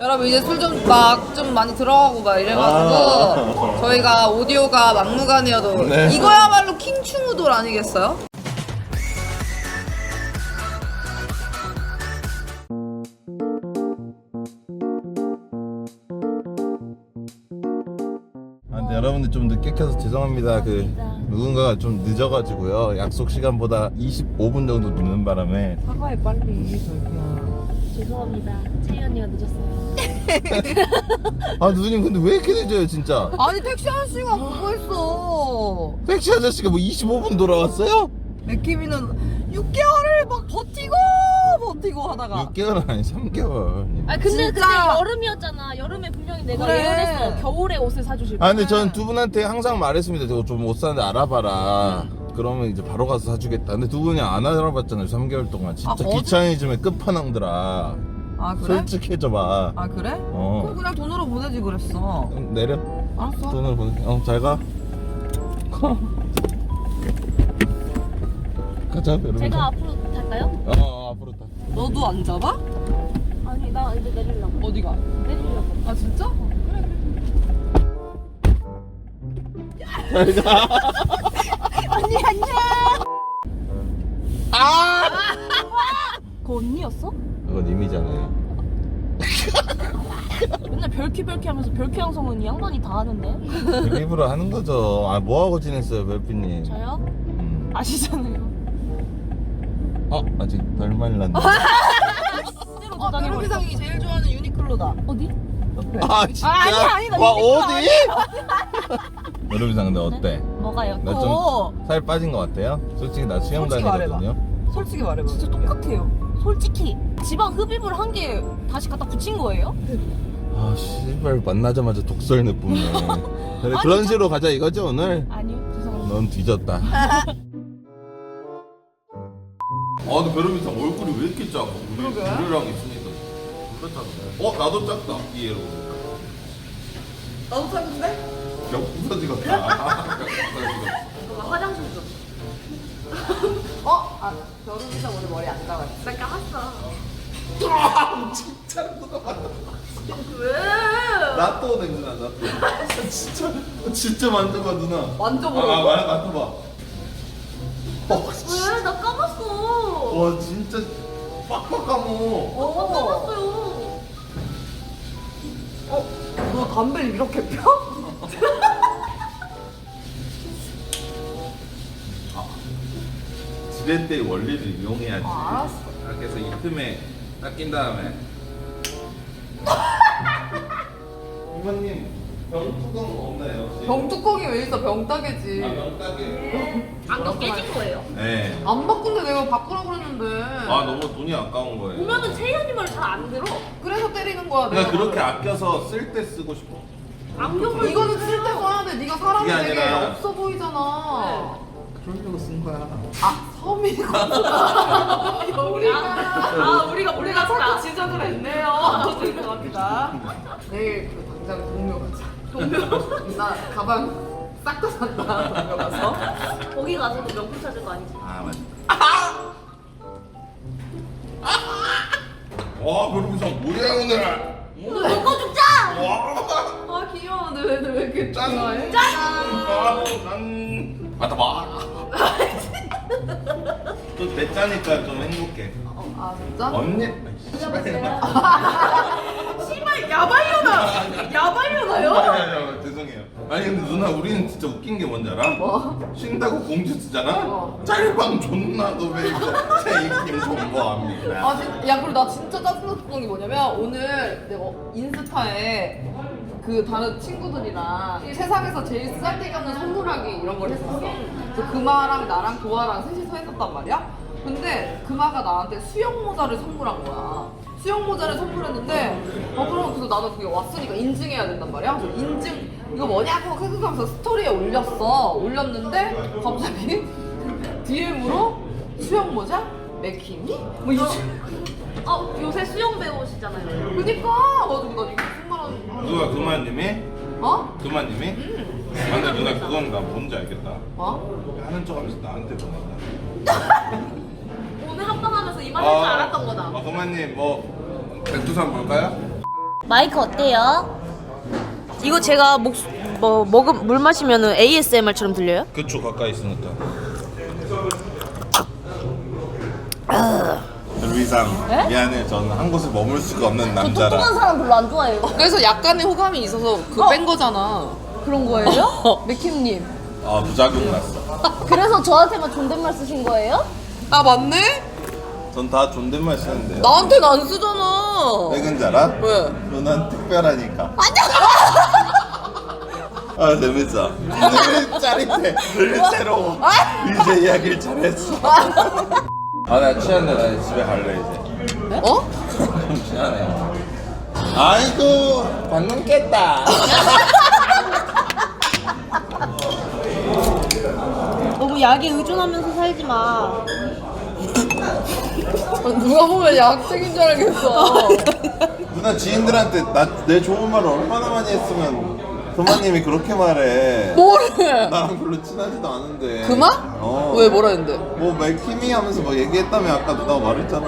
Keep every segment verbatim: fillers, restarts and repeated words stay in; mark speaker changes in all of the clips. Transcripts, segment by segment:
Speaker 1: 여러분 이제 술 좀 막 좀 많이 들어가고 막 이래가지고
Speaker 2: 아.
Speaker 1: 저희가 오디오가 막무가내여도
Speaker 2: 네.
Speaker 1: 이거야말로 킹충우돌 아니겠어요?
Speaker 2: 아, 근데 여러분들 좀 늦게 켜서 죄송합니다. 그 누군가가 좀 늦어가지고요. 약속 시간보다 이십오 분 정도 늦는 바람에.
Speaker 1: 사과해 빨리 저기야.
Speaker 3: 죄송합니다. 채희 언니가 늦었어요.
Speaker 2: 아 누님 근데 왜 이렇게 늦어요 진짜?
Speaker 1: 아니 택시 아저씨가 그거 했어.
Speaker 2: 택시 아저씨가 뭐 이십오 분 돌아왔어요?
Speaker 1: 맥키미는 육 개월을 막 버티고 버티고 하다가
Speaker 2: 육 개월은 아니 삼 개월.
Speaker 3: 아 근데
Speaker 1: 진짜.
Speaker 3: 그때 여름이었잖아. 여름에 분명히 내가
Speaker 1: 그래.
Speaker 3: 예언했어. 겨울에 옷을 사주실 거야.
Speaker 2: 아 근데 전 두 분한테 항상 말했습니다. 저거 좀 옷 사는데 알아봐라. 그러면 이제 바로 가서 사주겠다. 근데 두 분이 안 알아봤잖아요. 삼 개월 동안. 진짜
Speaker 1: 아, 거짓-
Speaker 2: 귀차니즘의 끝판왕들아.
Speaker 1: 아 그래?
Speaker 2: 솔직해져봐.
Speaker 1: 아 그래?
Speaker 2: 어.
Speaker 1: 그럼 그냥 돈으로 보내지 그랬어.
Speaker 2: 응, 내려.
Speaker 1: 알았어.
Speaker 2: 돈을 보내. 어, 잘 가. 가자, 여러분.
Speaker 3: 제가 앞으로 탈까요?
Speaker 2: 어, 어, 앞으로 타.
Speaker 1: 너도 안 잡아?
Speaker 3: 아니 나 이제 내리려고.
Speaker 1: 어디가?
Speaker 3: 내리려고.
Speaker 1: 아 진짜?
Speaker 2: 잘 가.
Speaker 1: 언니 안녕.
Speaker 2: 아!
Speaker 3: 그 언니였어?
Speaker 2: 그건 님이잖아요.
Speaker 3: 맨날 별키 별키 하면서 별키 양성은 이 양반이 다 하는데.
Speaker 2: 일부러 하는 거죠. 아, 뭐 하고 지냈어요, 별피님?
Speaker 3: 저요?
Speaker 2: 음.
Speaker 3: 아시잖아요.
Speaker 2: 어, 아직 덜 말랐네.
Speaker 3: 새로
Speaker 1: 어
Speaker 3: 도장해 버렸어.
Speaker 1: 벼룩이상이 제일 좋아하는 유니클로다.
Speaker 3: 어디?
Speaker 2: 아, 진짜?
Speaker 3: 아, 아니야, 아니다.
Speaker 2: 와,
Speaker 3: 이거
Speaker 2: 어디? 여러분상 근데 어때?
Speaker 3: 뭐가요?
Speaker 2: 나
Speaker 1: 어.
Speaker 2: 좀 살 빠진 것 같아요? 솔직히 나 수영
Speaker 1: 솔직히
Speaker 2: 다니거든요.
Speaker 1: 솔직히 말해봐.
Speaker 3: 진짜 똑같아요. 솔직히 지방 흡입을 한 게 다시 갖다 붙인 거예요?
Speaker 2: 아, 씨발 만나자마자 독설 내뿜네. 그래, 그런 식으로 가자 이거죠 오늘?
Speaker 3: 아니요. 죄송합니다.
Speaker 2: 넌 뒤졌다. 아, 근데 베르미상 얼굴이 왜 이렇게 작아? 우리
Speaker 1: 그러게.
Speaker 2: 우리랑 있으니까 진짜 작네. 어, 나도 작다. 이해로.
Speaker 1: 나도 작은데?
Speaker 2: 역부서지 같다.
Speaker 3: 너가 화장실 좀.
Speaker 1: 어? 아 벼룩이상 오늘 머리 안 감았어.
Speaker 3: 나 감았어.
Speaker 2: 아, 진짜 누가
Speaker 3: 왜?
Speaker 2: 나 또 냄새나, 나 또. 진짜, 진짜 만져봐 누나.
Speaker 1: 만져보라고?
Speaker 2: 아, 아, 만져봐. 어,
Speaker 3: 왜? 나 감았어.
Speaker 2: 와, 진짜 빡빡 감어.
Speaker 3: 어, 감았어요.
Speaker 1: 어? 너 담배를 이렇게 펴?
Speaker 2: 지렛대의 원리를 이용해야지.
Speaker 1: 아, 알았어.
Speaker 2: 이렇게 해서 이 틈에 딱 낀 다음에. 이모님, 병뚜껑 없나요? 혹시?
Speaker 1: 병뚜껑이 왜 있어? 병따개지.
Speaker 2: 아, 병따개.
Speaker 3: 안경 깨진 거예요?
Speaker 2: 네.
Speaker 1: 안 바꾼데 내가 바꾸라고 그랬는데.
Speaker 2: 아, 너무 돈이 아까운 거예요.
Speaker 3: 보면은 채희 언니 말 잘 안 들어.
Speaker 1: 그래서 때리는 거야.
Speaker 2: 그냥
Speaker 1: 내가.
Speaker 2: 그렇게 아껴서 쓸 때 쓰고 싶어.
Speaker 3: 안경을
Speaker 1: 이거는 쓸 때 써야 돼. 네가 사람이
Speaker 2: 그게
Speaker 1: 되게
Speaker 2: 아니라-
Speaker 1: 없어 보이잖아.
Speaker 2: 그러려고 쓴 거야.
Speaker 1: 아 섬이구나.
Speaker 3: 아,
Speaker 1: 우리가
Speaker 3: 아 우리가
Speaker 1: 우리가
Speaker 3: 몰랐다.
Speaker 1: 자꾸 지적을 했네요. 죄송합니다. 내일 그 당장 동묘 가자. 동묘? 나 가방 싹 다 산다. 동묘 가서.
Speaker 3: 거기 가서도 명품 찾을 거 아니지?
Speaker 2: 아, 맞다. 와, 별풍선 뭐야 오늘?
Speaker 3: 오늘 먹고 죽자!
Speaker 2: 와,
Speaker 1: 아 귀여워. 왜, 왜 이렇게
Speaker 2: 짠!
Speaker 1: 좋아해?
Speaker 2: 아, 짠! 받아 봐. 또 대짜니까 좀 행복해.
Speaker 1: 어, 아 진짜?
Speaker 2: 언니.
Speaker 1: 씨발 야발려나. 야발려나요?
Speaker 2: 아니, 아니, 아니, 죄송해요. 아니 근데 누나 우리는 진짜 웃긴 게 뭔지 알아?
Speaker 1: 뭐?
Speaker 2: 쉰다고 공지 쓰잖아?
Speaker 1: 어.
Speaker 2: 짤방 존나 도배고 제이킴 존버합니다.
Speaker 1: 아, 진, 야, 그리고 나 진짜 짜증났던 게 뭐냐면, 오늘 내가 인스타에 그 다른 친구들이랑 세상에서 제일 쌀데기 없는 선물하기 이런 걸 했었어. 그래서 금아랑 나랑 도아랑 셋이서 했었단 말이야? 근데 금아가 나한테 수영 모자를 선물한 거야. 수영 모자를 선물했는데, 어, 그럼 그래서 나는 그게 왔으니까 인증해야 된단 말이야? 그래서 인증, 이거 뭐냐고 생각하면서 스토리에 올렸어. 올렸는데, 갑자기 디엠으로 수영 모자? 맥히니? 뭐 이.
Speaker 3: 어 요새 수영 배우시잖아요.
Speaker 1: 그니까 가지고 나 이거 무슨 말 하는
Speaker 2: 누가 그만님이?
Speaker 1: 어?
Speaker 2: 그만님이?
Speaker 1: 음.
Speaker 2: 아, 근데 누나 그건 나 뭔지 알겠다.
Speaker 1: 어?
Speaker 2: 하는 척 하면서 나한테 보낸다.
Speaker 3: 오늘 합방하면서 이 말 할 줄 알았던
Speaker 2: 아,
Speaker 3: 거다.
Speaker 2: 그만님 뭐 백두산 볼까요?
Speaker 3: 마이크 어때요? 이거 제가 목, 뭐, 먹음, 물 마시면 에이에스엠알처럼 들려요?
Speaker 2: 그쵸, 가까이 있으니까. 루이상
Speaker 3: 네?
Speaker 2: 미안해. 저는 한 곳에 머물 수가 없는
Speaker 3: 저
Speaker 2: 남자라.
Speaker 3: 뚱뚱한 사람 별로 안 좋아해요.
Speaker 1: 그래서 약간의 호감이 있어서 그거
Speaker 3: 어?
Speaker 1: 뺀 거잖아.
Speaker 3: 그런 거예요?
Speaker 1: 맥킴님.
Speaker 2: 아, 부작용 났어.
Speaker 3: 그래서 저한테만 존댓말 쓰신 거예요?
Speaker 1: 아 맞네?
Speaker 2: 전 다 존댓말 쓰는데요.
Speaker 1: 나한테는 안 쓰잖아.
Speaker 2: 왜 그런지 알아?
Speaker 1: 왜?
Speaker 2: 누난 특별하니까. 아, 재밌어. 늘 짜릿해. 늘 새로워. 이제 이야기를 잘했어. 아, 나 취한데. 나 집에 갈래 이제.
Speaker 1: 어?
Speaker 2: 좀 취하네. 아이고, 방금 깼다.
Speaker 3: 너무 약에 의존하면서 살지 마.
Speaker 1: 누가 보면 약쟁인 줄 알겠어.
Speaker 2: 누나 지인들한테 나 내 좋은 말을 얼마나 많이 했으면 그마님이 그렇게 말해.
Speaker 1: 뭐래?
Speaker 2: 나랑 별로 친하지도 않은데.
Speaker 1: 그만?
Speaker 2: 어.
Speaker 1: 왜 뭐라 했는데?
Speaker 2: 뭐 맥힘이 하면서 뭐 얘기했다며 아까 누나가 말했잖아.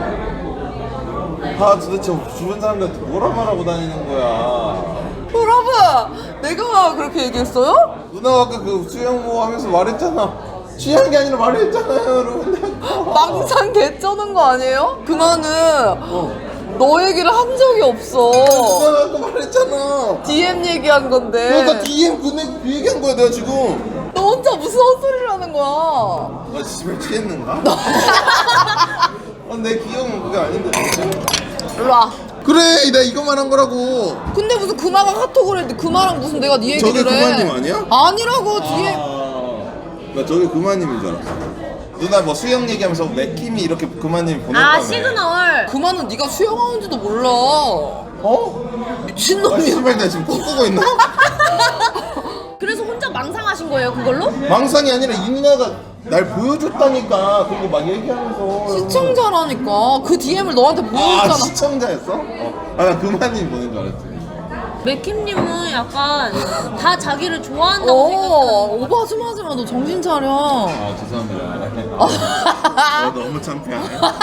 Speaker 2: 아 도대체 주변 사람들한테 뭐라 말하고 다니는 거야.
Speaker 1: 여러분, 내가 그렇게 얘기했어요?
Speaker 2: 누나가 아까 그 수영모 하면서 말했잖아. 취한 게 아니라 말했잖아요 여러분.
Speaker 1: 망상 개쩌는 거 아니에요? 그만은
Speaker 2: 어.
Speaker 1: 너 얘기를 한 적이 없어.
Speaker 2: 누나가 아까 말했잖아.
Speaker 1: 디엠 얘기한 건데.
Speaker 2: 내가 디엠 그 얘기한 거야 내가 지금.
Speaker 1: 너 혼자 무슨 헛소리를 하는 거야?
Speaker 2: 나 집에 취했는가? 아, 내 기억은 그게 아닌데.
Speaker 1: 일로 와.
Speaker 2: 그래, 내가 이거 말한 거라고.
Speaker 1: 근데 무슨 금화가 카톡을 했는데 금화랑 무슨 내가 네 얘기를
Speaker 2: 저게
Speaker 1: 해.
Speaker 2: 금화님 아니야?
Speaker 1: 아니라고 디엠.
Speaker 2: 아, 나 저게 금화님인 줄 알았어. 누나 뭐 수영 얘기하면서 맥힘이 이렇게 금화님이 보냈다며.
Speaker 3: 아, 시그널.
Speaker 1: 금화는 네가 수영하는지도 몰라.
Speaker 2: 어? 아,
Speaker 1: 미친놈이야.
Speaker 2: 씨발, 나 지금 꿈꾸고 있나?
Speaker 3: 그래서 혼자 망상하신 거예요, 그걸로?
Speaker 2: 망상이 아니라 이 누나가 날 보여줬다니까. 그리고 막 얘기하면서.
Speaker 1: 시청자라니까. 그 디엠을 너한테
Speaker 2: 아,
Speaker 1: 보여줬잖아.
Speaker 2: 시청자였어? 어. 아, 나 금화님 보낸 줄 알았지.
Speaker 3: 맥킴님은 약간 다 자기를 좋아한다고
Speaker 1: 어,
Speaker 3: 생각하는
Speaker 1: 오바 좀 하지 마. 너 정신 차려.
Speaker 2: 아, 죄송합니다. 어, 너무 창피하네.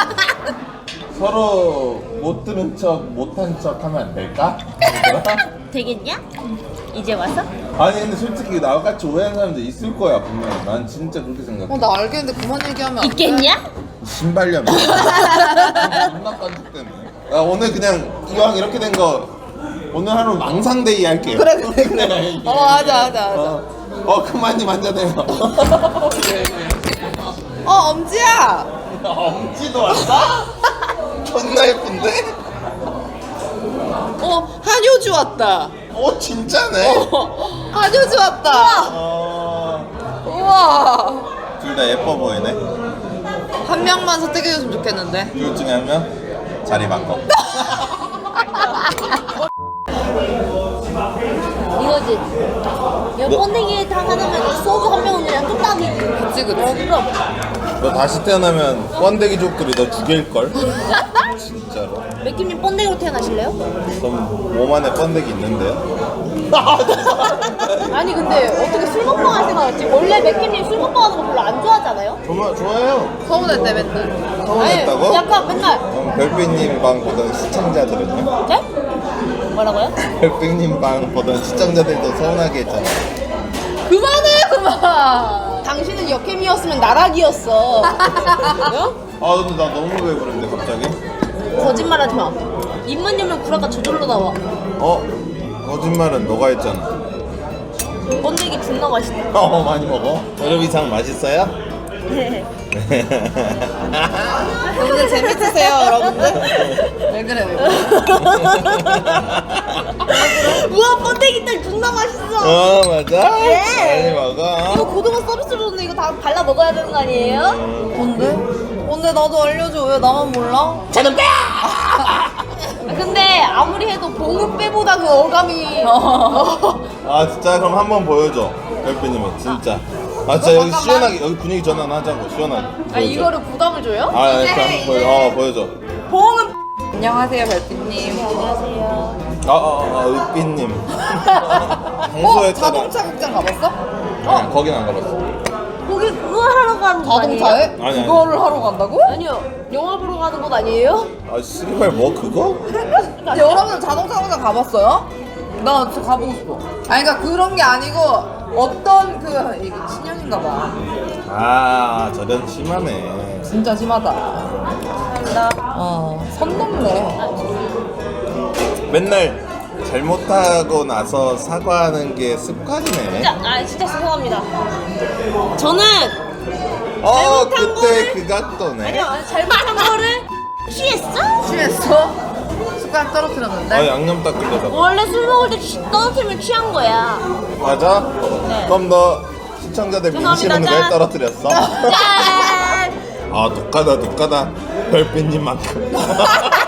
Speaker 2: 서로 못 들은 척, 못한 척 하면 안 될까?
Speaker 3: 되겠냐? 이제 와서?
Speaker 2: 아니 근데 솔직히 나와 같이 오해하는 사람들 있을 거야 분명. 난 진짜 그렇게 생각해.
Speaker 1: 어, 나 알겠는데 그만 얘기하면 안 돼?
Speaker 3: 있겠냐?
Speaker 2: 신발염. 존나 깐죽 때문에. 나 오늘 그냥 이왕 이렇게 된 거 오늘 하루 망상데이 할게요.
Speaker 1: 그래, 그래, 그래. 어, 하자, 하자, 하자.
Speaker 2: 어, 어 그만님 앉아대요.
Speaker 1: 어, 엄지야.
Speaker 2: 엄지도 왔어? 존나 예쁜데?
Speaker 1: 어, 한효주 왔다.
Speaker 2: 어 진짜네.
Speaker 1: 어, 한효주 왔다.
Speaker 2: 어...
Speaker 1: 우와.
Speaker 2: 둘 다 예뻐 보이네.
Speaker 1: 한 명만 선택해줬으면 좋겠는데.
Speaker 2: 둘 중에 한 명? 자리 바꿔.
Speaker 3: 이거지. 야,
Speaker 2: 뭐?
Speaker 3: 번데기 탕 하나면 소주 한 병은 그냥 뚝딱이지.
Speaker 1: 그치, 그치.
Speaker 3: 어, 그럼.
Speaker 2: 너 다시 태어나면 번데기족들이 너 죽일걸? 진짜로.
Speaker 3: 맥킴님 번데기로 태어나실래요?
Speaker 2: 그럼 몸 안에 번데기 있는데요?
Speaker 3: 아니, 근데 어떻게 술 먹방 할 생각했지? 원래 맥킴님 술 먹방 하는 거 별로 안 좋아하잖아요?
Speaker 2: 좋아, 좋아요.
Speaker 1: 서운했대, 맨날.
Speaker 2: 서운했다고?
Speaker 3: 아니, 약간 맨날.
Speaker 2: 그럼 별빛님 방 보던 시청자들은요?
Speaker 3: 네? 뭐라고요?
Speaker 2: 별빛님 방 보던 시청자들도 서운하게 했잖아.
Speaker 1: 그만해, 그만. 당신은 역캠이었으면 나락이었어.
Speaker 2: 아 근데 나 너무 배부른데 갑자기?
Speaker 3: 거짓말 하지 마. 입만 열면 구라가 저절로 나와.
Speaker 2: 어? 거짓말은 너가 했잖아.
Speaker 3: 번데기 존나 맛있다.
Speaker 2: 어 많이 먹어? 여름 이상 맛있어요?
Speaker 3: 네.
Speaker 1: 오늘 재밌으세요, 여러분들? 왜 그래, 왜 그래?
Speaker 3: 우와, 번데기 딸 존나 맛있어.
Speaker 2: 어 맞아?
Speaker 3: 네.
Speaker 2: 많이 먹어.
Speaker 3: 이거 고등어 서비스로 줬는데 이거 다 발라 먹어야 되는 거 아니에요?
Speaker 1: 뭔데? 뭔데 나도 알려줘. 왜 나만 몰라?
Speaker 3: 저는 빼! 근데 아무리 해도 봉은 빼보다 그 어감이
Speaker 2: 아 진짜 그럼 한번 보여줘 별빛님이 진짜. 아 진짜 여기
Speaker 1: 잠깐만.
Speaker 2: 시원하게 여기 분위기 전환하자고 시원하게.
Speaker 3: 아니
Speaker 2: 보여줘.
Speaker 3: 이거를 부담을 줘요?
Speaker 2: 아
Speaker 1: 이제
Speaker 2: 이렇게
Speaker 1: 해,
Speaker 2: 한번 보여.
Speaker 1: 이제.
Speaker 2: 어 보여줘.
Speaker 1: 봉은 안녕하세요, 별빛님.
Speaker 3: 안녕하세요.
Speaker 2: 아아아 의빛님.
Speaker 1: 어?
Speaker 2: 평소에 따라.
Speaker 1: 자동차 극장 가봤어?
Speaker 2: 아니 거긴 안 가봤어.
Speaker 3: 거기 그거 하러 가는 거 아니에요?
Speaker 1: 자동차에?
Speaker 2: 아니, 아니.
Speaker 1: 그거를 하러 간다고?
Speaker 3: 아니요. 영화 보러 가는 곳 아니에요?
Speaker 2: 아 씨발 뭐 그거?
Speaker 1: 여러분 자동차 공장 가봤어요? 나 진짜 가보고 싶어. 아니 그러니까 그런 게 아니고 어떤 그 이게 친년인가 봐.
Speaker 2: 아 저런 심하네.
Speaker 1: 진짜 심하다.
Speaker 3: 감사합니다.
Speaker 1: 어, 선 넘네.
Speaker 2: 맨날 잘못하고 나서 사과하는 게 습관이네.
Speaker 3: 진짜 아 진짜 죄송합니다. 저는
Speaker 2: 어
Speaker 3: 잘못한
Speaker 2: 그때
Speaker 3: 거를-
Speaker 2: 그 각도네.
Speaker 3: 아니요 잘못한 거를 취했어?
Speaker 1: 취했어? 습관 떨어뜨렸는데?
Speaker 2: 아 양념 딱 끓여서.
Speaker 3: 원래 술 먹을 때 취, 떨어뜨리면 취한 거야.
Speaker 2: 맞아?
Speaker 3: 네.
Speaker 2: 그럼 너 시청자들
Speaker 3: 죄송합니다.
Speaker 2: 민심은 왜
Speaker 3: 짠.
Speaker 2: 떨어뜨렸어?
Speaker 3: 짠!
Speaker 2: 아 독하다 독하다 별빛님만큼.